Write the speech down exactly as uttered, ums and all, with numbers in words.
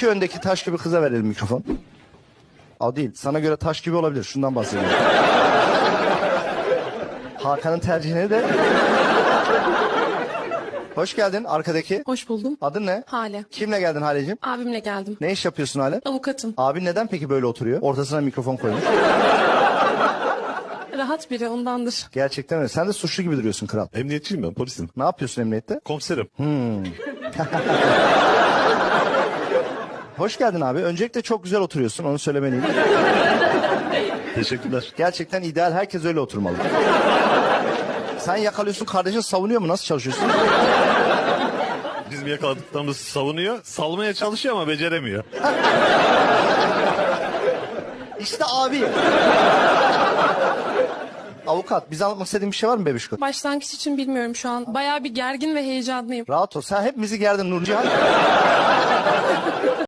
İki öndeki taş gibi kıza verelim mikrofon. O değil. Sana göre taş gibi olabilir. Şundan bahsediyorum. Hakan'ın tercihine de... Hoş geldin arkadaki. Hoş buldum. Adın ne? Hale. Kimle geldin Haleciğim? Abimle geldim. Ne iş yapıyorsun Hale? Avukatım. Abin neden peki böyle oturuyor? Ortasına mikrofon koymuş. Rahat biri ondandır. Gerçekten öyle. Sen de suçlu gibi duruyorsun kral. Emniyetçiyim ben, polisim. Ne yapıyorsun emniyette? Komiserim. Hoş geldin abi. Öncelikle çok güzel oturuyorsun. Onu söylemeliyim. Teşekkürler. Gerçekten ideal. Herkes öyle oturmalı. Sen yakalıyorsun, kardeşin savunuyor mu? Nasıl çalışıyorsun? Bizim yakaladıklarımız savunuyor. Salmaya çalışıyor ama beceremiyor. İşte abi. Avukat, bize anlatmak istediğin bir şey var mı bebişko? Başlangıç için bilmiyorum şu an. Bayağı bir gergin ve heyecanlıyım. Rahat ol. Sen hepimizi gerdin Nurcihan.